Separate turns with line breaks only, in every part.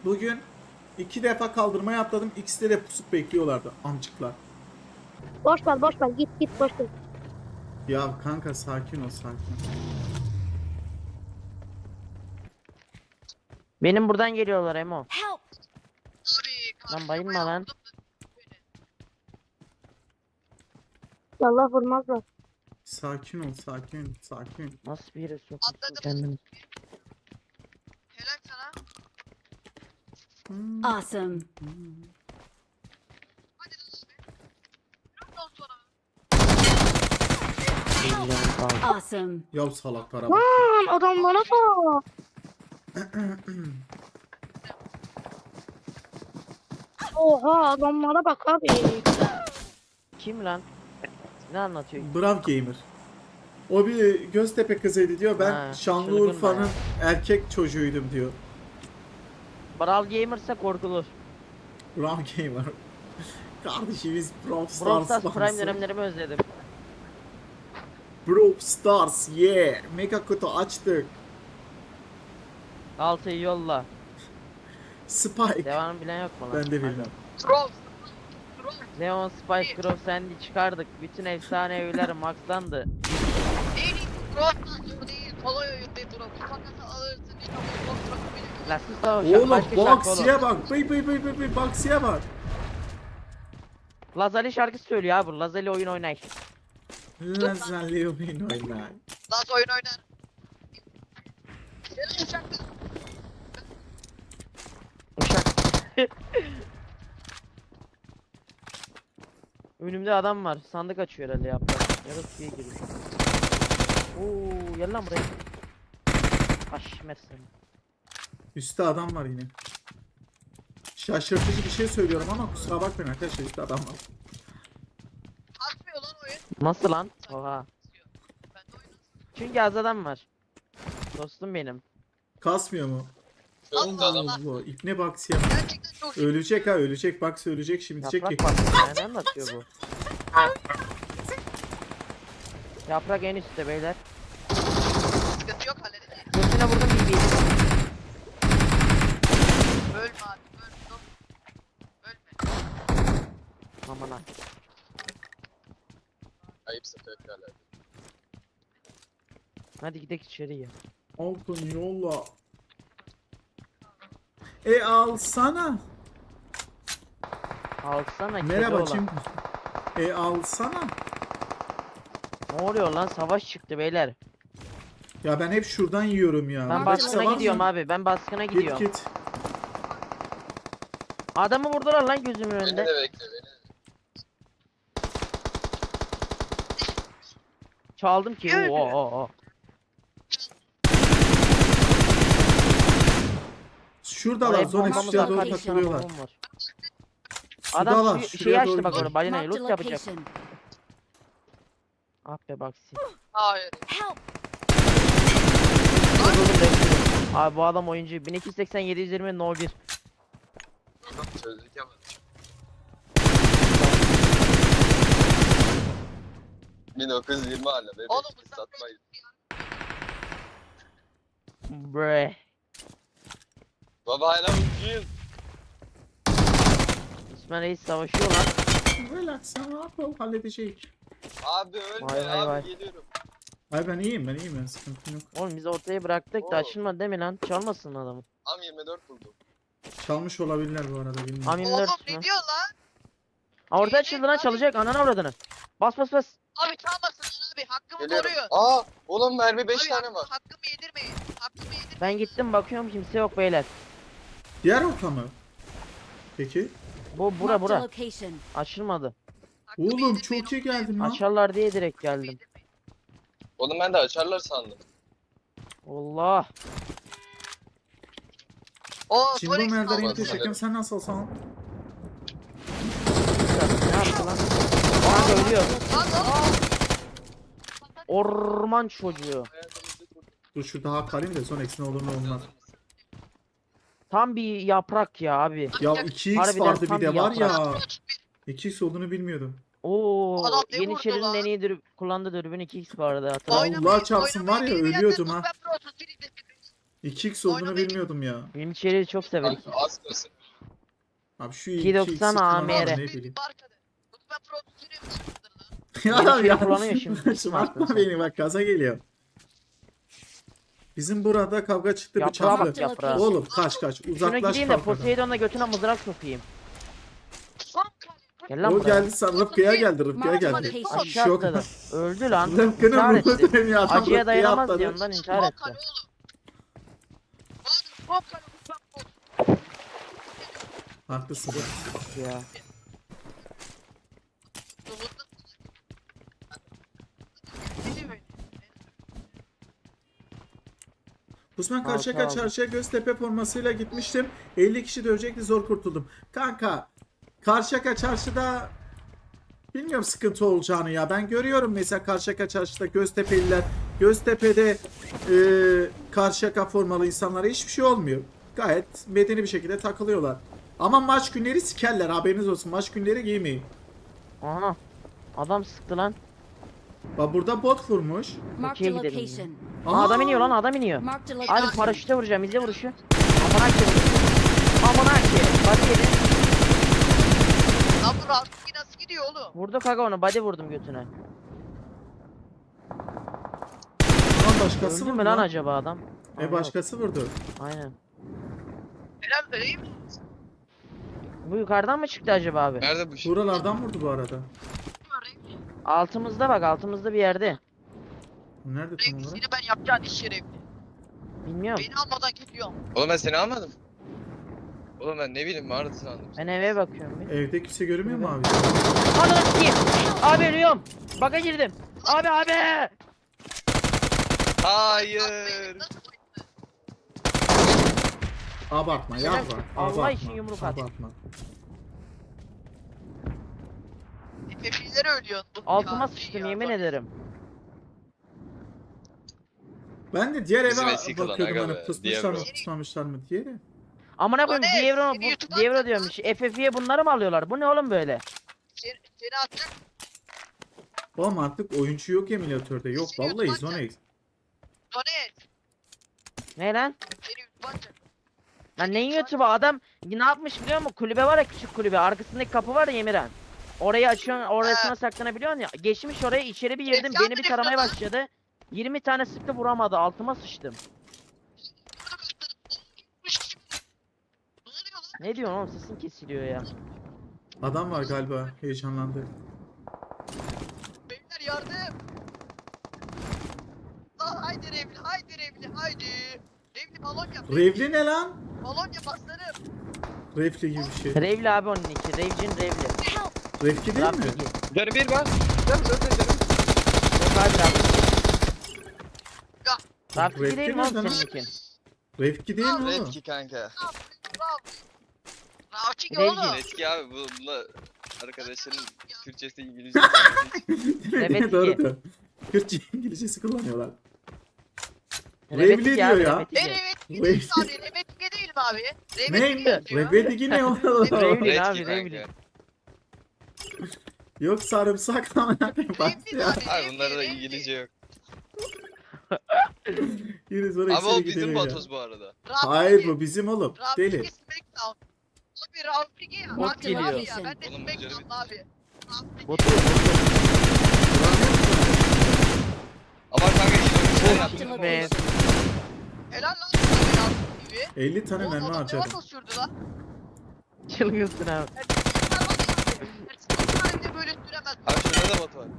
Bugün 2 defa kaldırmaya atladım. İkisi de pusup bekliyorlardı amcıklar.
Boş ver boş ver git git boş ver.
Ya kanka sakin ol sakin ol.
Benim buradan geliyorlar Emo.
Help!
Lan bayılma lan.
Allah vurmazlar.
Sakin ol sakin sakin.
Nasıl bir yere sokuyorsun
Atladım.
kendini?
Helal sana.
Awesome.
Hadi lan be. Ondan sonra.
Eğlenceli kaldı.
Awesome.
Ya salaklara bak.
Lan adamlara bak. Oha adamlara bak abi.
Kim lan? Ne anlatıyor?
Brav gamer. O bir Göztepe kızıydı diyor. Ben
Ha,
Şanlıurfa'nın
çılgın
erkek çocuğuydum diyor.
Brawl Gamer'sa korkulur.
Brav gamer. Kardeşimiz Brawl
Brawl
Stars.
Stars Prime
fansı.
dönemlerimi özledim.
Brawl Stars yeah. Mega kutu açtık.
Altıyı yolla.
Spike.
Devamını bilen yok mu lan?
Ben de bilmiyorum.
Troll. Troll.
Leon, Spike, Grove, Sandy çıkardık. Bütün efsane evler maxlandı.
En iyi troll değil. Kolay oyun değil troll. Bu takası alırsın. Hiç ama troll bırakabilir.
La sus da o
Oğlum
başka şarkı
Boxy'ye
oğlum.
bak. Bıy Boxy'ye bak.
Lazali şarkı söylüyor abi. Lazali oyun oynay.
Lazali oyun oynar.
Nasıl oyun oynar? Helal uçakta.
Uşak. Önümde adam var. Sandık açıyor herhalde yaprak. Ya da suya giriyor. Oo, gel lan buraya. Aşmersin.
Üstte adam var yine. Şaşırtıcı bir şey söylüyorum ama kusura bakmayın arkadaşlar, üstte adam var.
Atmıyor lan oyun.
Nasıl lan? Oha.
Ben de oyun.
Çünkü az adam var. Dostum benim.
Kasmıyor mu?
Allah Allah.
Allah, İpne Boxy'ye bak.
Gerçekten çok iyi.
Ölecek ha, ölecek. Boxy ölecek şimdi, diyecek ki.
Yaprak bak. Ne anlatıyor bu? Yaprak en üstte beyler.
Sıkıntı yok halledeceğiz.
Götüne vurdum BB'yi.
Ölme abi. Ölme.
Aman ha.
Ayıpsın fevkalade.
Hadi gidelim içeriye.
Altın yolla. Alsana.
Alsana kedi
Merhaba
olan.
kim? Alsana.
Ne oluyor lan? Savaş çıktı beyler.
Ya ben hep şuradan yiyorum ya.
Ben
Burada
baskına
kimse var
gidiyorum
mı?
abi. Ben baskına
Git
gidiyorum.
git.
Adamı vurdular lan gözümün
Beni
önünde.
de bekle beni.
Çaldım ki.
Evet.
Oo.
Şuradalar,
Oraya
Zonex
bombamız
şuraya
var,
doğru
kaç tane
takılıyorlar.
bombam var.
Şuradalar,
Adam
şuraya
şeyi açtı
doğru
bak
gidiyor.
onu. Balinayı
Marked a
loot yapacak.
location.
Ah be bak siz.
Hayır.
Help!
Abi bu adam oyuncu. 1280 720 no 1.
Çözdük yapalım. 1920 hala bebek.
Oğlum,
Biz satmayız.
Bre.
Baba hala ucuyuz.
İsmail Reis savaşıyor lan.
Relax, sen rahat ol, halledecek.
Abi ölme
Vay vay
abi
vay.
geliyorum.
Ay ben iyiyim ben sıkıntım yok.
Oğlum biz ortaya bıraktık da
Oo.
açılmadı değil mi lan? Çalmasın adamı.
Am 24 buldum.
Çalmış olabilirler bu arada, bilmiyorum.
Am
Oğlum
24
ne
mü?
diyor lan?
Aa, ortaya açıldı lan, çalacak ananı avradını. Bas bas bas.
Abi çalmasın abi. Hakkımı
Geliyorum.
koruyor.
Aa oğlum mermi 5
Abi,
tane var.
Hakkımı yedirmeyin. Hakkımı yedirmeyin.
Ben gittim bakıyorum kimse yok beyler.
Diğer orta mı? Peki.
Bu
Marked a
bura.
location.
Açılmadı.
Hakkımı
Oğlum
yedirmeyin,
çok iyi
oğlum.
geldin lan.
Açarlar diye direkt
Hakkımı
geldim.
yedirmeyin.
Oğlum ben de açarlar sandım.
Allah.
Oo,
Şimdi bu
Solex
merdiven
Allah'ım.
teşekkür, sen nasılsın?
Ne yaptı lan? Kanka ölüyor.
Lan oğlum.
Orman çocuğu.
Dur şurada hak alayım da Zonex'in olur ne olmaz.
Tam bir yaprak ya abi.
Ya 2x
Harbiden
vardı
tam
bir de
bir
var ya.
yaprak.
2x olduğunu bilmiyordum.
Oo,
Adam ne vurdu
Yeniçeri'nin
lan?
en iyi kullandığı dürbün 2x vardı hatırladın mı?
Allah çarpsın var ya, ölüyordum ha. 2x olduğunu
Oynamayı-
bilmiyordum ya.
Film içeriği çok severim.
Kanka az kalsın.
Abi şu
2.90
2x'i
AMR.
kullanmam, ne bileyim.
Arkada. Ben prodüktörüyüm lan.
Yeni
Ya
şey
ya.
kullanıyor şimdi.
Şımartma beni bak gaza geliyor. Bizim burada kavga çıktı
Yaprağa bak
bıçaklı.
yaprağa.
Oğlum kaç
Şuna
uzaklaş
gideyim de
kavgadan.
Poseidon'la götüne mızrak sokayım. Gel lan
O
buraya.
geldi sen Rıfkı'ya geldi Rıfkı'ya geldi.
Aşağı
Şok.
atladı. Öldü lan.
Rıfkı'nın
İntihar
ruhu
etti.
dönüyor adam
Acıya
Rıfkı'ya
dayanamaz
atladı.
diye ondan intihar etti.
Haklısın.
Ya.
Osman
Altı
Karşıyaka
aldım.
çarşıya Göztepe formasıyla gitmiştim. 50 kişi dövecekti zor kurtuldum. Kanka Karşıyaka çarşıda bilmiyorum sıkıntı olacağını ya. Ben görüyorum mesela Karşıyaka çarşıda Göztepe'liler Göztepe'de Karşıyaka formalı insanlara hiçbir şey olmuyor. Gayet medeni bir şekilde takılıyorlar. Ama maç günleri sikerler haberiniz olsun. Maç günleri giymeyin.
Aha. Adam sıktı lan.
Bak burada bot vurmuş.
Marked
Okey
a
gidelim.
location.
Aa, adam iniyor lan adam iniyor.
Marked a
Hadi
location.
paraşüte vuracağım izle vuruşu. Aman ki. Aman ki. Body yedi.
Lan bu Rafiki nasıl gidiyor oğlum?
Vurdu kaga onu body vurdum götüne.
Lan başkası
Öldü
vurdu
mü lan
lan.
acaba adam? Aa, yok.
Başkası vurdu.
Aynen.
Helal vereyim mi?
Bu yukarıdan mı çıktı acaba abi?
Nerede bu şey?
Buralardan vurdu bu arada.
Altımızda bak altımızda bir yerde.
Nerede tam
Revli
olarak?
seni ben yapacağın iş Revli.
Bilmiyorum.
Beni almadan gidiyorum.
Oğlum ben seni almadım. Oğlum ben ne bileyim mağarada sandım.
Ben eve bakıyorum bir.
Evde kimse görünmüyor mu abi?
Ananı sikeyim. Abi ölüyorum. Baka girdim. Abi.
Hayır.
Abartma yapma.
Allah
Abartma.
için yumruk at.
Abartma.
Efefileri ölüyorsun.
Altıma
Ya,
sıçtım
ya,
yemin
bak.
ederim.
Ben de diğer
Bizim
eve
eski klan
bakıyordum
aga
hani
be,
pusmuşlar mı
Diablo.
pusmamışlar mı diye de.
Amına koyayım
O ne?
Dievro
Seni YouTube'dan
Dievro
atacak
diyormuş. FF'ye bunları mı alıyorlar? Bu ne oğlum böyle?
Seni atacak.
Oğlum artık oyuncu yok emülatörde. Yok
Seni
vallahi
YouTube'dan
Zonex.
Donet.
Ne lan?
Seni YouTube'dan atacak.
Lan neyin YouTube'a adam ne yapmış biliyor musun? Kulübe var ya küçük kulübe. Arkasındaki kapı var ya Yemiren. Orayı açıyorsun orasına saklanabiliyorsun ya. Geçmiş oraya içeri bir girdim.
Efkan
Beni bir taramaya
direktör
başladı. 20 tane sıktı vuramadı. Altıma sıçtım.
Ne oluyor lan?
Ne diyorsun oğlum sesin kesiliyor ya.
Adam var galiba heyecanlandı.
Beyler yardım. Lan haydi Revli, haydi Revli, haydi. Revli balon yap.
Revli ne lan?
Balon yap aslanım.
Refli gibi bir şey.
Revli abi onun iki. Revcin Revli.
Refki değil mi?
Rafiki.
Canım bir var. Canım zaten canım.
Yok abi Rafiki. Rafiki
Revki
değil mi
ne
oğlum
lan?
seninki?
Refki değil mi oğlum?
Redki kanka.
Rafiki
Revli.
oğlum.
Redki abi bununla arkadaşların Türkçesi İngilizce.
Evet
Doğru
ki.
da. Kürtçe İngilizcesi kullanıyorlar.
Revetiki
Revli
abi,
diyor ya.
Revetiki.
Evet, değil abi. Revetike değil mi abi?
Ne?
Revetike yazıyor.
Revli ne oğlum?
Revli abi
Redki
Revli.
kanka.
Yok sarımsak amına koyayım bak
Revli
ya.
abi.
Abi bunlarda da
Revli,
İngilizce yok.
Yine sonra
Ama o
ekseri
bizim
gidelim ya.
Batoz bu arada.
Rafiki.
Hayır bu bizim oğlum. Deli.
Rafiki Smackdown. Abi Rafiki ya.
Bot
Rafiki
geliyor.
abi ya. Ben de
Oğlum bu
Smackdown
canım-
abi. Rafiki.
Botu.
Ama kanka işte bir
Marked
şeyler
a
yaptım.
Be.
location.
Helal lan sana Rafiki gibi.
50 tane
Oğlum
mermi
adam ne
harcadım.
var sürdü lan?
Çılgınsın abi.
Ben de böyle süremez.
Abi şurada da bot var.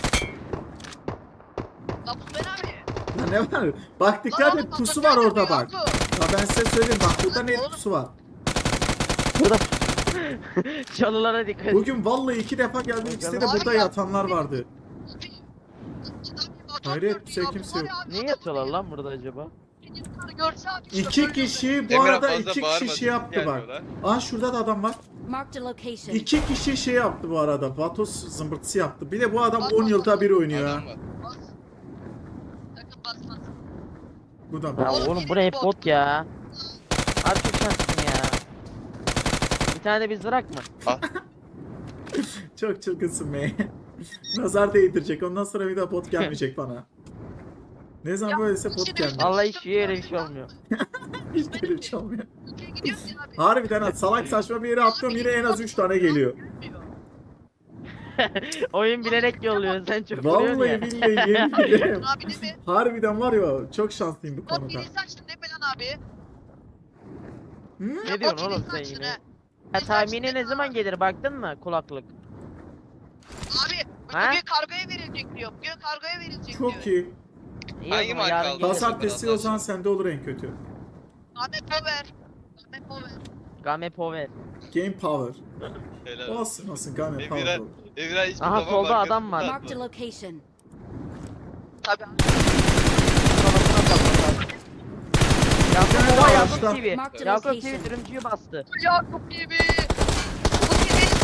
Lan bu ben abi.
Ya ne var? Bak dikkat
Lan
et
oğlum,
pusu
bak,
var orada
bak,
bak.
bak.
Ya ben size söyleyeyim bak burada net
Oğlum.
pusu var.
Burada çalılara dikkat et.
Bugün vallahi 2 defa geldim ikisi de
Abi
burada
ya.
yatanlar vardı. Hayret, kimse
ya,
kimse yok.
Niye yatıyorlar lan burada acaba?
Görse abi.
2 kişi bu
Emre
arada
fazla
2
bağırma,
kişi şey yaptı bak.
gelmiyorlar.
Aa şurada da adam var.
Marked a location.
2 kişi şey yaptı bu arada. Vatos zımbırtısı yaptı. Bir de bu adam 10 yılda bir oynuyor ha.
Adam var.
Sakın basma.
Bu da
Ya
bak.
oğlum bu ne hep bot ya. Abi çok şanslısın ya. Bir tane de biz bırak mı?
Çok çılgınsın be. Nazar değdirecek. Ondan sonra bir daha bot gelmeyecek bana. Ne zaman
Ya,
böylese bot
şimdi-
gelmiyor.
Allah hiç yere bir şey olmuyor.
Hiç böyle bir şey olmuyor.
Ülkeye gidiyoruz ya abi.
Harbiden ha, salak saçma bir yere atlıyorum yine en az 3 tane geliyor.
Oyun bilerek yolluyor. Sen çok vuruyorsun
Vallahi
ya.
billahi yemin ederim.
Abi değil mi?
Harbiden var ya çok şanslıyım bu
Bot
konuda.
birini saçtın değil mi lan abi?
Hı?
Ne diyorsun
Bot
oğlum
birini
sen
saçtın
yine?
ha.
Ya tahmini ne zaman gelir baktın mı kulaklık?
Abi
Ha?
bugün kargoya verilecek diyor. Bugün kargoya verilecek diyor.
Çok iyi.
İyi o
Hangi
zaman
marka
yarın
aldın?
gelir.
Pazartesi o zaman sende olur en kötü.
Ahmet Power. Ahmet Power.
Game Power.
Game Power.
Helal.
Olsun Game Power
Emirhan,
olur.
Emirhan hiçbir
Aha,
zaman
solda
markasını
adam var.
atma.
Marked a location.
Tabii abi.
Yakup Baba Yakup
Ağaçta.
TV.
Marked a
Yakup TV
location.
dürümcüyü bastı.
Yakup gibi. Bu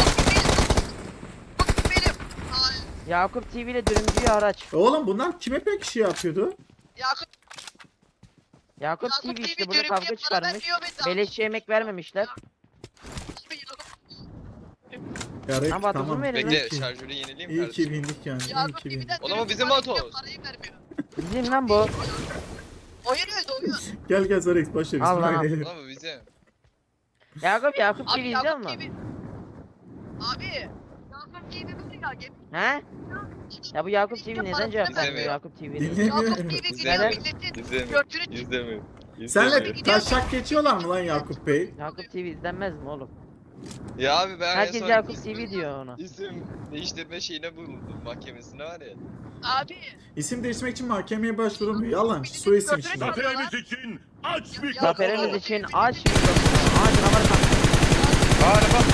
benim. Ay,
Yakup TV ile dürümcüyü araç.
Bunlar kime pek şey yapıyordu?
Yakup
Yakup TV
Yakup
işte
TV
burada
dürümcüye
kavga
para
çıkarmış.
vermiyor be.
Beleşçe yemek vermemişler.
Abi Yakup.
Ya Rek,
Ama
tamam.
tuzun verin
İyi
lan.
Bekle
ki,
şarjörü yenileyim
iyi ki
kardeşim.
bindik yani. İyi
Yakup
ki bindik.
TV'den
Oğlum o
dürüm
bizim
sipariş
motor.
ediyor, parayı vermiyor.
Bizim lan bu.
Oyun öldü oyun.
Gel Zorex başla biz
Allah.
oynayalım.
Oğlum bu bizim.
Yakup TV
Abi
izliyor
Yakup
musun?
TV. Abi. Yakup TV var ya.
He? Ya bu Yakup TV neden cevap vermiyor
İzlemiyor.
Yakup TV'nin?
Dinlemiyorum.
Yakup TV gidiyor
Neden?
milletin.
İzlemiyor.
Gördüğünü
İzlemiyor.
Senle
İzlemiyor.
taşak geçiyorlar mı lan Yakup Bey?
Yakup TV izlenmez mi oğlum?
Ya abi ben en
Herkes
son
Yakup
isim-
TV diyor ona.
İsim değiştirme şeyine bulundum mahkemesine var ya.
Abi.
İsim değiştirmek için mahkemeye başvurulmuyor. Yalan. Su isim şimdi.
Zaferimiz için aç mikrofonu.
Zaferimiz için aç mikrofonu. Aç numara kalk.
Bağırma.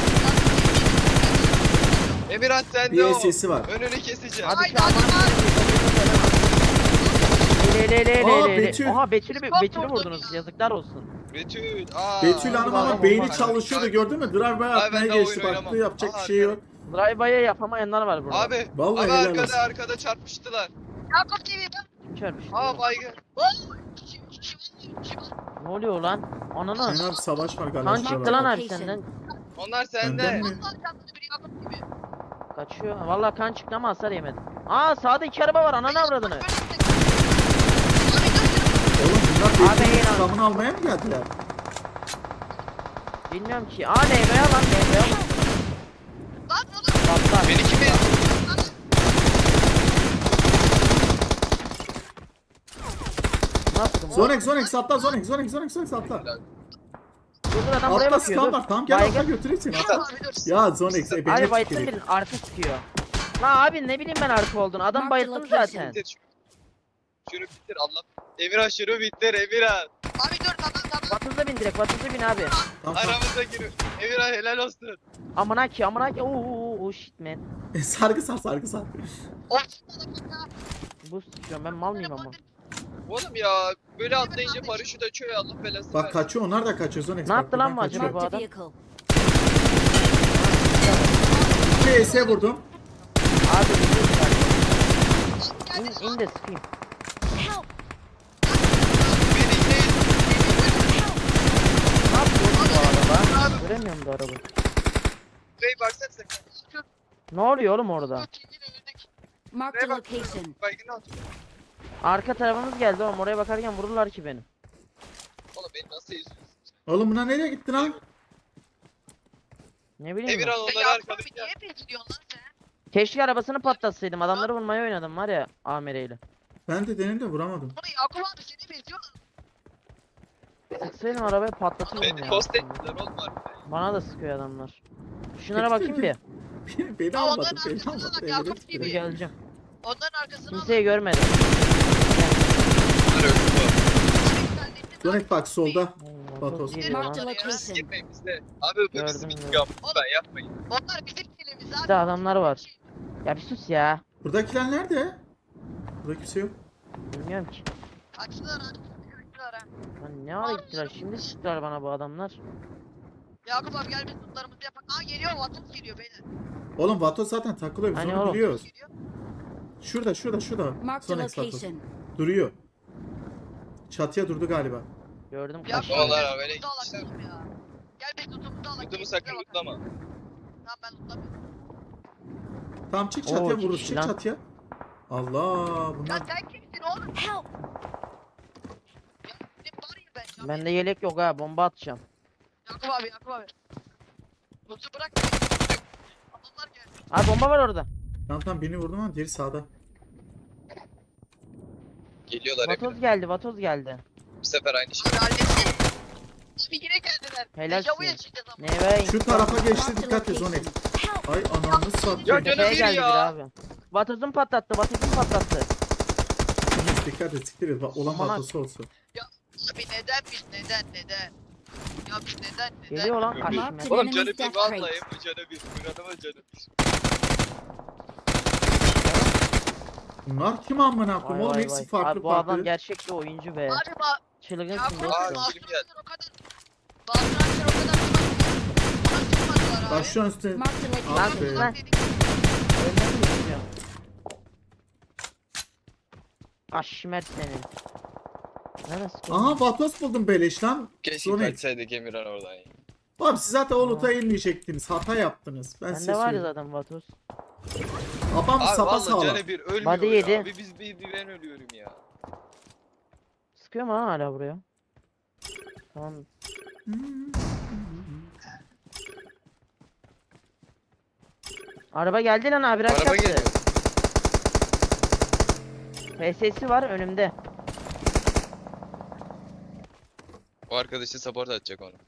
Emirhan sende
Bir
o.
sesi var.
Önünü keseceğim.
Hadi
Haydi,
şu an
hadi,
Aa, Betül.
Oha Betül'ü
Çok
Betül'ü
vurdun
vurdunuz.
ya.
Yazıklar olsun.
Betül. Aa.
Betül Hanım ama
Olmaz,
beyni
olmaz.
çalışıyordu gördün mü? Drive-by
Abi
atmaya
ben de
geçti
oyun
baktı
oynamam.
yapacak bir
Aha,
şey yok.
Drive-by'e yapamayanlar var burada.
Abi.
Vallahi
abi
helal
arkada
olsun.
arkada çarpıştılar.
Yakup TV bak.
Kim çarpmış?
Aa baygın.
Ne oluyor lan? Ananı.
Senin abi savaş var galiba.
Kan
şurada
çıktı lan
bak.
abi senden.
Onlar
Benden
sende.
mi?
Kaçıyor. Vallahi kan çıktı ama hasar yemedim. Aa sağda iki araba var. Ananı avradını.
Oğlum bunlar
Abi,
Betül'ün
inan.
intikamını almaya mı geldiler?
Bilmiyorum ki. Aa NBA lan NBA. Patlar.
Beni kim ezdi?
Nasıl?
Zonex atla Zonex atla.
Dur adam buraya
Atla
bakıyor.
skan
Dur.
var tamam gel atla götüreyim seni atla. Ya Zonex
Abi
ebeye
bayılttın
tüküreyim.
birini. Arka sıkıyor. La abi ne bileyim ben arka olduğunu. Adam
Mark
bayılttım
the location.
zaten.
Bitir şunu bitir Allah. Emirhan şunu bitir Emirhan.
Abi dur tamam.
Vatızda bin direkt. Vatızda bin abi.
Tamam, tamam.
Aramıza gir. Emirhan helal olsun.
Amına ki. Oo shit man.
Sargı sar.
Bu sıkıyorum ben mal mıyım ama.
Oğlum ya böyle atlayınca paraşüt açıyor ya Allah belasını
Bak
versin.
kaçıyor onlar da kaçıyor Zonex.
Ne
bak,
yaptı lan
buradan
bu acaba
kaçıyor.
bu
Marked a
adam?
vehicle.
2 ES vurdum.
Abi in de sıkayım.
Help!
Beni değil.
Ne yapıyor oğlum bu araba? Göremiyorum bu araba.
Bey baksana sen.
Ne oluyor oğlum orada?
Marked a location.
Baygını at.
Arka tarafımız geldi oğlum. Oraya bakarken vururlar ki beni.
Oğlum beni nasıl izliyorsun?
Oğlum buna nereye gitti lan?
Ne bileyim ben.
Emirhan
Sen
onları
Yakup
arkadaş
abi
ya.
niye bezliyorsun lan sen?
Keşke arabasını patlatsaydım. Adamları vurmaya oynadım var ya amireyle.
Ben de denedim de vuramadım.
Bunu Yakup abi seni beziyor.
Sıksaydım arabayı patlatırdım
Beni
ya.
tost ettiler oğlum var.
Bana da sıkıyor adamlar. Şunlara bakayım bir.
Beni
Aa,
almadı
onların
beni
arkasına
almadı.
bak,
Evine
Yakup
gitti.
Dur
gibi.
geleceğim.
Onların arkasına
Kimseyi görmedim.
Bunlar öldü
Zonex bak solda.
Oo,
Bak
çok
olsun.
geliyor lan.
Marked a
bu.
location.
Gitmeyin bizde. Abi bu bizim
Gördüm,
intikam. Lütfen yapmayın.
Onlar bizim filmimiz abi.
Bir de adamlar var. Ya bir sus ya.
Buradakiler nerede? Burada kimse yok.
Bilmiyorum ki.
Kaçtılar abi. Kaçtılar ha.
Lan ne ara gittiler? Şimdi sıktılar bana bu adamlar.
Yakup abi gel biz tutlarımızı yapak. Aa geliyor Vatos geliyor beyler.
Oğlum Vato zaten takılıyor biz
Hani
onu
oğlum?
biliyoruz.
Geliyor.
Şurada.
Marked a
Zonex Vato.
location.
Duruyor. Çatıya durdu galiba.
Gördüm
Yakup
kaçtı.
Vallahi
abi
abi,
gel
öyle
tutu alak
gitmişler.
oğlum ya. Gel biz tutumuzu alak.
Kutumu sakın lootlama.
Tamam ben lootlamıyorum.
Tamam çık
Oo,
çatıya
iki
vururuz
kişi
çık
lan.
çatıya. Allah
Ya
bunlar
sen kimsin oğlum?
Help!
Bende yelek yok ha, bomba atacağım.
Yakup abi, Yakup abi. Botu bırak. Adamlar geldi.
Abi bomba var orada.
Tamam birini vurdum ama diğeri sağda.
Geliyorlar
Vatoz
Emirhan.
geldi, vatoz geldi.
Bu sefer aynı şey.
Abi halletsin. Abi yine geldiler.
Helal
Dejavuya
olsun.
çıkacağız ama.
Neve
Şu tarafa geçti,
Marked a
dikkat et Zonet.
location. Help!
Ay ananı
Ya
satayım.
canım
tepeye
bir
geldi
ya.
biri abi. Vatozun patlattı, vatozun patlattı.
Zonet dikkat et, siktir et. Olan
Aman
vatosu olsun.
Abi neden? Ya biz neden?
Geliyor lan
Marked
kaşmer.
an
Oğlum canı
enemy's
bir
death
vallahi
crate.
bu canı bir. Bu adamın canı bir.
Bunlar kim amına
Vay
koyayım? Oğlum
vay
hepsi
vay.
farklı
Abi bu adam
farklı.
gerçek bir oyuncu be.
Abi
Çılgınsın
Yakup
dostum.
Aa,
abi
film geldi.
o kadar. Bazılar o kadar bana çıkmadılar abi.
Bak şu an üstte.
Marked a
Ah
location.
be.
Lan. Ölmem mi istiyorsun? Kaşmer seni. Neresi?
Aha vatos buldum beleş lan.
Keşke
Zonet.
kaçsaydık Emirhan oradan ya.
Abi siz zaten o
Aa.
loot'a inmeyecektiniz. Hata yaptınız. Ben size
Bende var ya
söyleyeyim.
zaten vatoz.
Babam
Abi
sapa
vallahi
sağlam.
canı bir ölmüyor
Body
ya.
yedi.
Bir ben ölüyorum ya.
Sıkıyor mu lan hala buraya? Tamam. Araba geldi lan abi,
Araba
yaptı.
geliyor.
PS'si var önümde.
O arkadaşı support atacak onu.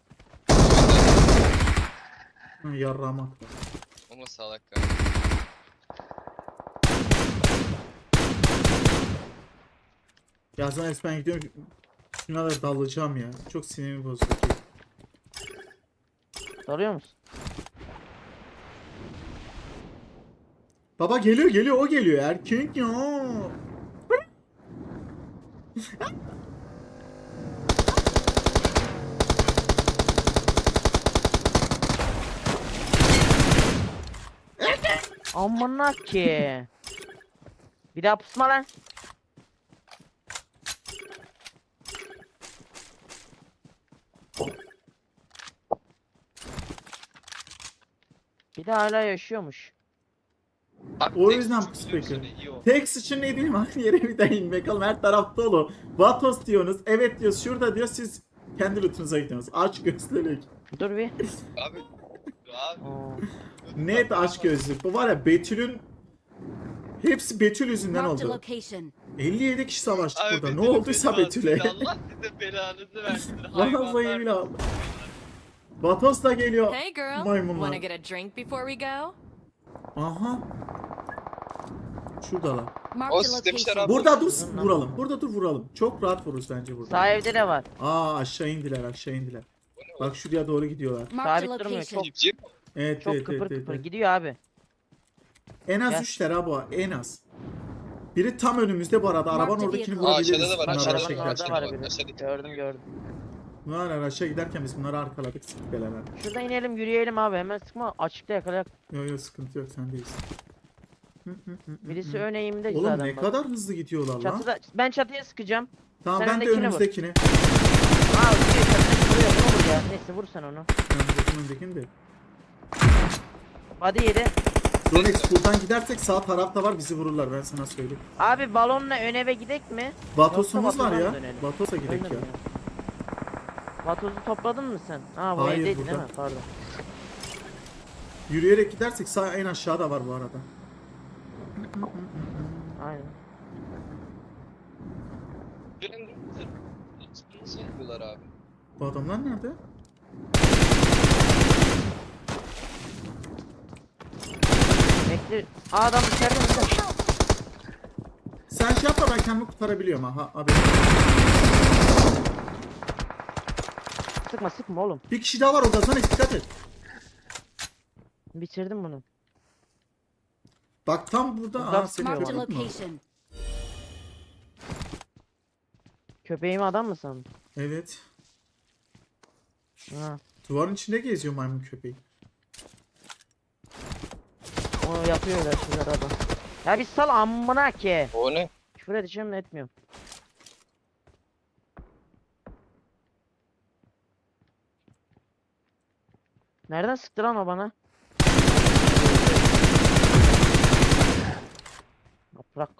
Hı, yarramak.
Ama salak ya.
Ya sonra ben gidiyorum. Şuna da dalacağım ya. Çok sinirimi bozdu ki.
Soruyor musun?
Baba geliyor o geliyor. Erkek ya.
Amına ki. Bir daha pusma lan. Bir de hala yaşıyormuş.
Abi
O
tek
yüzden
suçlu
pus
biliyorsun,
peki.
iyi oldu.
Tek sıçın ne diyeyim aynı yere bir daha inmek. Bakalım her taraf dolu. Vatos diyorsunuz. Evet diyor. Şurada diyor. Siz kendi lootunuza gidiyorsunuz. Aç gözlülük.
Dur bir.
Abi. Abi.
Oo.
Net aç gözlük. Bu var ya Betül'ün hepsi Betül yüzünden
Marked a
oldu.
location.
57 kişi savaştık
Abi
burada. Ne
Betül'ün
olduysa
belanı-
Betül'e.
Allah size belanızı versin.
Vallahi
hayvanlar.
billahi. Vatos da geliyor.
Hey girl,
Maymunlar.
wanna get a drink before we go?
Aha. Şuradalar.
Marked a
O demişler
location.
abi.
Burada dur
Uzun lan.
vuralım. Burada dur vuralım. Çok rahat vururuz bence burada.
Sağ evde de var.
Aa aşağı indiler. Bak şuraya doğru gidiyorlar.
Marked a
Sabit durmuyor,
location.
çok.
Cip.
Evet
Çok
evet
kıpır
evet,
kıpır
evet.
gidiyor abi.
En az
Gel.
3'ler ha bu en az. Biri tam önümüzde bu arada. Arabanın
Marked
oradakini
vehicle.
Aa,
vurabiliriz.
aşağıda da var,
Bunlar
aşağıda
araçla
Arabanın
var.
orada
giderken.
var biri.
Aşağıdaki.
Gördüm.
Bunlar araçla giderken biz bunları arkaladık. Sıktık beraber.
Şuradan inelim yürüyelim abi, hemen sıkma, açıkta yakalayak.
Yok sıkıntı yok sendeyiz.
Birisi ön eğimde
Oğlum
zaten
ne
bak.
kadar hızlı gidiyorlar lan.
Çatıda, ben çatıya sıkacağım.
Tamam
sen
ben de
öndekini vur.
önümüzdekini.
Aa vuruyor, çatıda vuruyor, ne olur ya. Neyse vur sen onu.
Ben önümüzdekini de.
Hadi yedi.
Rolex buradan gidersek sağ tarafta var bizi vururlar ben sana söyleyeyim.
Abi balonla ön eve gidek mi?
Vatosumuz
Yoksa
var ya.
Vatos'a mı dönelim?
Vatos'a gidek
Ölmedim
ya.
ya. Vatozu topladın mı sen? Ha bu
Hayır,
evdeydi
burada.
değil mi? Pardon.
Yürüyerek gidersek sağ en aşağıda var bu arada.
Aynen.
Nasıl yapıyorlar abi?
Bu adamlar nerede?
Bekle. Aa adam içeride mi?
Sen şey yapma ben kendimi kurtarabiliyorum ha. Abi.
Sıkma sıkma oğlum.
Bir kişi daha var orada sana dikkat et.
Bitirdim bunu.
Bak tam burada.
Burada
Aa senin
Marked a
köpek mi?
location.
Köpeğimi adam mı sandın?
Evet.
Ha.
Duvarın içinde geziyor maymun köpeği.
Onu yapıyor öyle şeyler adam. Ya bir sal amına ki.
O ne?
Küfür edeceğim de etmiyorum. Nereden sıktı lan o bana? Yaprak.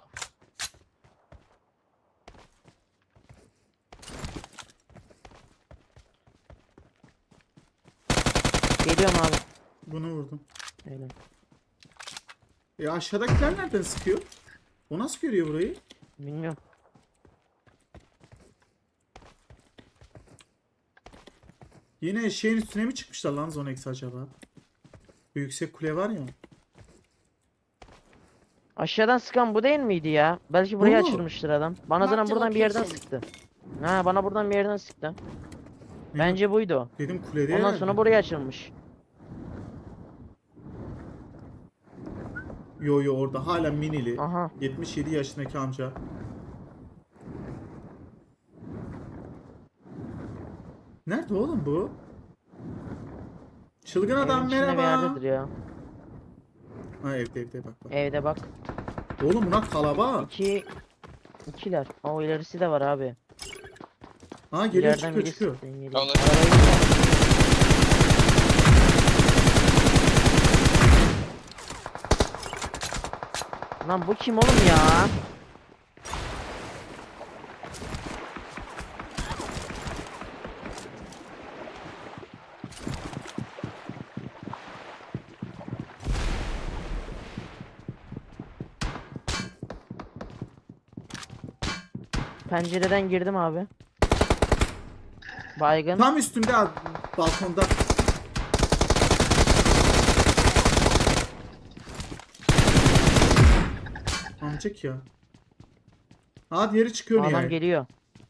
Geliyorum abi.
Bunu vurdum.
Öyle.
Aşağıdakiler nereden sıkıyor? O nasıl görüyor burayı?
Bilmiyorum.
Yine şeyin üstüne mi çıkmışlar lan Zonex acaba? Bir yüksek kule var ya.
Aşağıdan sıkan bu değil miydi ya? Belki buraya
Oo.
açılmıştır adam. Bana zaten
Marked
buradan bir yerden
location.
sıktı. Ha bana buradan bir yerden sıktı. Bence buydu o.
Dedim kulede
Ondan
herhalde.
sonra buraya açılmış.
Yo yo orada hala minili.
Aha.
77 yaşındaki amca. Nerede oğlum bu? Çılgın adam
Evin içinde bir
merhaba.
yerdedir ya.
Ha evde bak bak.
Evde bak.
Oğlum buna kalabalık.
İkiler. O ilerisi de var abi.
Ha geliyor
İleriden
çıkıyor
biri
çıkıyor.
sıktı, geliyor.
Tamam.
Lan bu kim oğlum ya? Pencereden girdim abi. Baygın.
Tam üstünde abi, balkonda. Amcık ya. Ha diğeri çıkıyor
Adam
niye?
geliyor.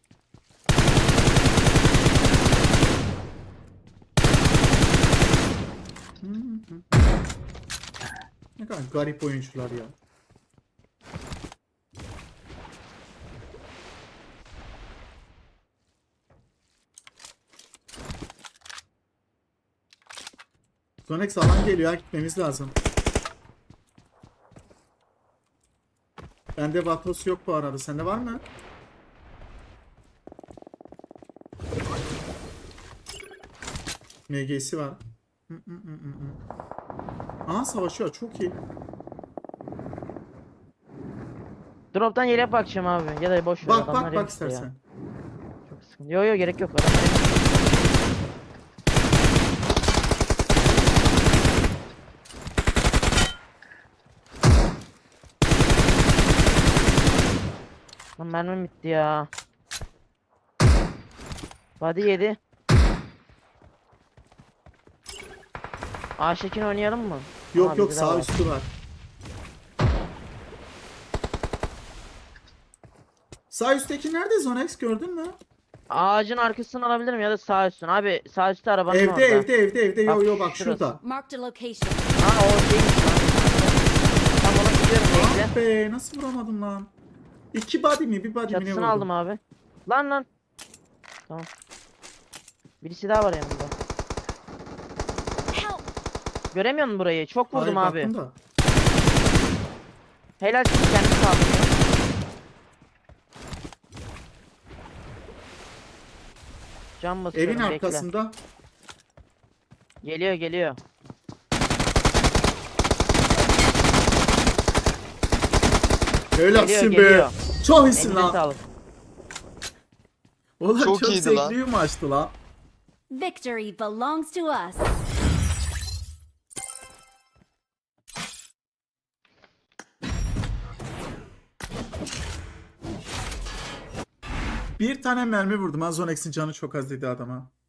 Ne kadar garip oyuncular ya. Zonex alan geliyor, gitmemiz lazım. Bende Vatos yok bu arada. Sende var mı? MG'si var. Aha savaşıyor. Çok iyi.
Drop'tan yere bakacağım abi. Ya da boş ver.
Bak
adamlar
bak
yok
bak
işte ya.
istersen.
Çok sıkıntı. Yo yo gerek yok. Adamlar yok. Lan mermim bitti ya. Body yedi. Aşekin oynayalım mı?
Yok
Aa,
yok
bizde de
sağ
var.
üstü var. Sağ üstteki nerede Zonex gördün mü?
Ağacın arkasını alabilirim ya da sağ üstün. Abi sağ üstte arabanın
Evde
orada.
evde. Yo
Bak,
yo bak
şurası.
şurada.
Marked a location.
Ha o değilmiş lan. Tam ona gidiyorum bekle.
Ah be nasıl vuramadım lan? İki body mi bir body mi ne
Çatısını
vurdum?
aldım abi. Lan. Tamam. Birisi daha var yanımda.
Help!
Göremiyor musun burayı? Çok vurdum
Hayır,
abi.
baktım da.
Helal siz kendini sağlıyor. Can basıyorum
Evin
bekle.
arkasında.
Geliyor.
Helalsin be.
Geliyor.
Çok iyisin
Eline
lan.
sağlık.
Ulan
Çok
çok
iyiydi lan.
zevkli maçtı lan.
Victory belongs to us.
Bir tane mermi vurdum. Azonex'in canı çok az dedi adama.